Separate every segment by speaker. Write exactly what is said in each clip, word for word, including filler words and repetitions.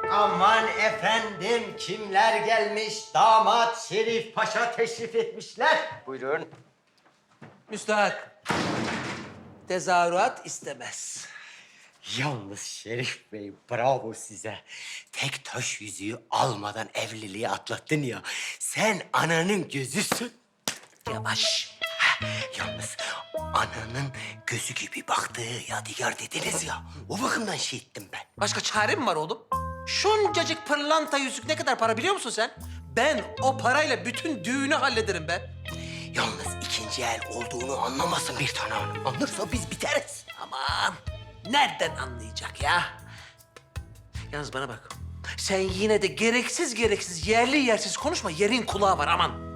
Speaker 1: Aman efendim, kimler gelmiş? Damat Şerif Paşa teşrif etmişler. Buyurun.
Speaker 2: Müstahak. Tezahürat istemez.
Speaker 1: Yalnız Şerif Bey, bravo size. Tek taş yüzüğü almadan evliliği atlattın ya. Sen ananın gözüsün.
Speaker 2: Yavaş.
Speaker 1: Ha, yalnız ananın gözü gibi baktığı yadigar dediniz ya. O bakımdan şey ettim ben.
Speaker 2: Başka çare mi var oğlum? Şuncacık pırlanta yüzük ne kadar para biliyor musun sen? Ben o parayla bütün düğünü hallederim ben.
Speaker 1: Yalnız ikinci el olduğunu anlamasın bir tane hanım. Anlarsa biz biteriz.
Speaker 2: Aman nereden anlayacak ya? Yalnız bana bak. Sen yine de gereksiz gereksiz yerli yersiz konuşma. Yerin kulağı var aman.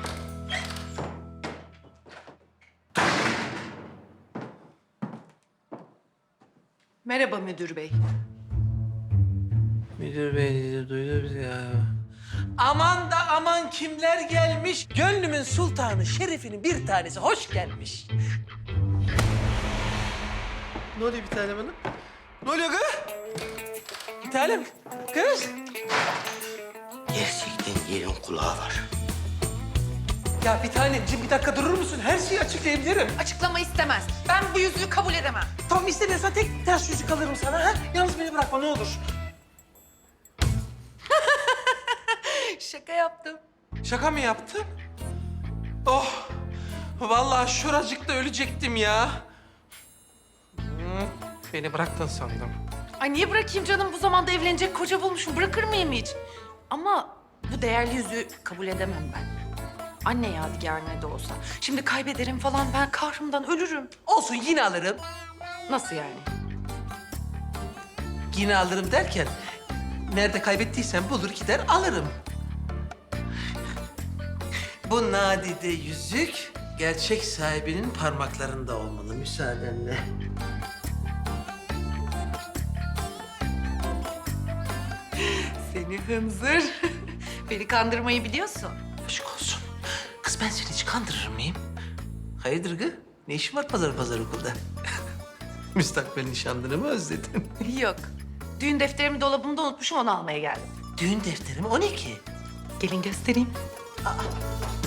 Speaker 3: Merhaba müdür bey.
Speaker 2: Müdür bey dedi, duydu bizi ya. Aman da aman kimler gelmiş. Gönlümün sultanı Şerif'inin bir tanesi hoş gelmiş. Ne oluyor bir tanem hanım? Ne oluyor kız? Bir tanem kız.
Speaker 1: Gerçekten yerin kulağı var.
Speaker 2: Ya bir tanemciğim bir dakika durur musun? Her şeyi açıklayabilirim.
Speaker 3: Açıklama istemez. Ben bu yüzüğü kabul edemem.
Speaker 2: Tamam istemiyorsan tek ters yüzük alırım sana. Ha? Yalnız beni bırakma ne olur.
Speaker 3: Şaka yaptım.
Speaker 2: Şaka mı yaptın? Oh! Vallahi şuracıkta ölecektim ya. Hmm, beni bıraktın sandım.
Speaker 3: Ay niye bırakayım canım? Bu zamanda evlenecek koca bulmuşum. Bırakır mıyım hiç? Ama bu değerli yüzüğü kabul edemem ben. Anne yadigarı ne de olsa. Şimdi kaybederim falan, ben kahrımdan ölürüm.
Speaker 2: Olsun yine alırım.
Speaker 3: Nasıl yani?
Speaker 2: Yine alırım derken... ...nerede kaybettiysen bulur gider alırım. Bu nadide yüzük... ...gerçek sahibinin parmaklarında olmalı müsaadenle.
Speaker 3: Seni hınzır. Beni kandırmayı biliyorsun.
Speaker 2: Aşk olsun. Kız ben seni hiç kandırır mıyım? Hayırdır kız? Ne işin var pazar pazar okulda? Müstakbel nişanlını mı özledin?
Speaker 3: Yok. Düğün defterimi dolabımda unutmuşum, onu almaya geldim.
Speaker 2: Düğün defteri mi? O ne ki?
Speaker 3: Gelin göstereyim.
Speaker 2: Aa,